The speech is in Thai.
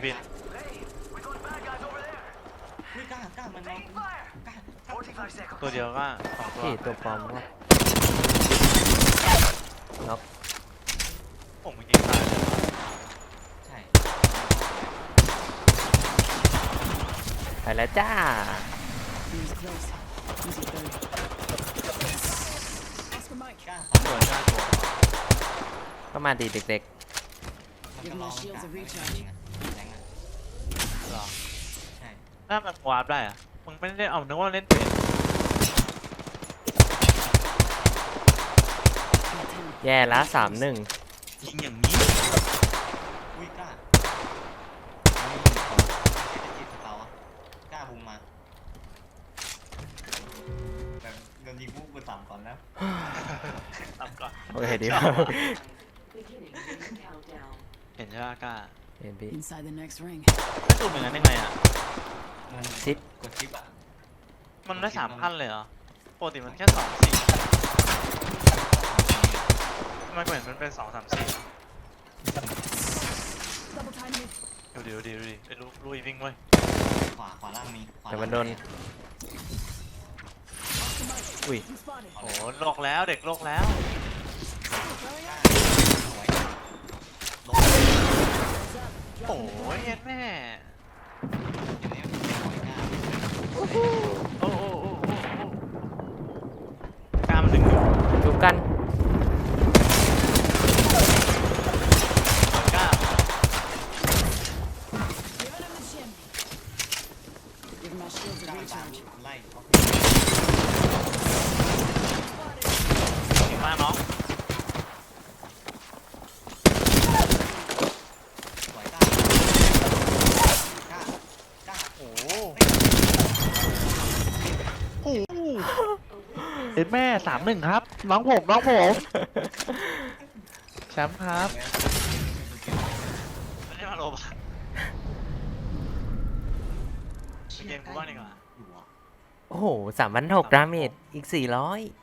บินไม่กล้ามันนอนกล้าตัวเดียวก็สองตัวพี่ตัวปลอมก็น็อกผมยิงตายใช่ไปแล้วจ้า Rings close. Easy third. Oscar Mike. กล้าตัวหน้าตัวก็มาดีเด็กมันก็ลองกล้าไม่จริงอ่ะแรงอ่ะหรอใช่ถ้ามันวาร์ปได้อะมึงไม่ได้เอานึกว่าเล่นเป็นๆ แย่ละ3-1 ยิงอย่างนี้อุ้ยกล้าจิตเขาอ่ะกล้าบุมมาแบบโดนยิงปุ๊บกูต่ำก่อนแล้วตามก่อนโอเคดีมาก Beginning ring countdown. เห็นใช่ไหมกล้าเห็นพี่ Inside the next ring. ไม่ดูเหมือนกันได้ไงอ่ะมันชิปกดชิปอ่ะมันได้3,000เลยเหรอปกติมันแค่2-4ทำไมเหมือนมันเป็น2-3-4 Double time me. ดูดิไอ้ลูกอีวิ่งเว้ยขวาล่างมีขวาแต่มันโดน Oscar Mike. Ui. You spotted. โอ้โหโลกแล้วเด็กโลกแล้ว Going up. สวย Hands up. โอ้ Dropping the ยเย็ grenade. นแม่เดี๋ยวนี้สวยกล้าโอ้กล้ามันดึงอยู่จุบกันกล้า Giving him the shin. Give my shields a กล้าตาม recharge. ไล่เก่งมากน้องสวยกล้ากล้าโอ้โหเอ็ดแม่3-1ครับน้องผมแชมป์ครับไม่ได้มาโลบะไปเกมกูบ้างดีกว่าอยู่อ่ะโอ้โห3,600 ดาเมจอีก400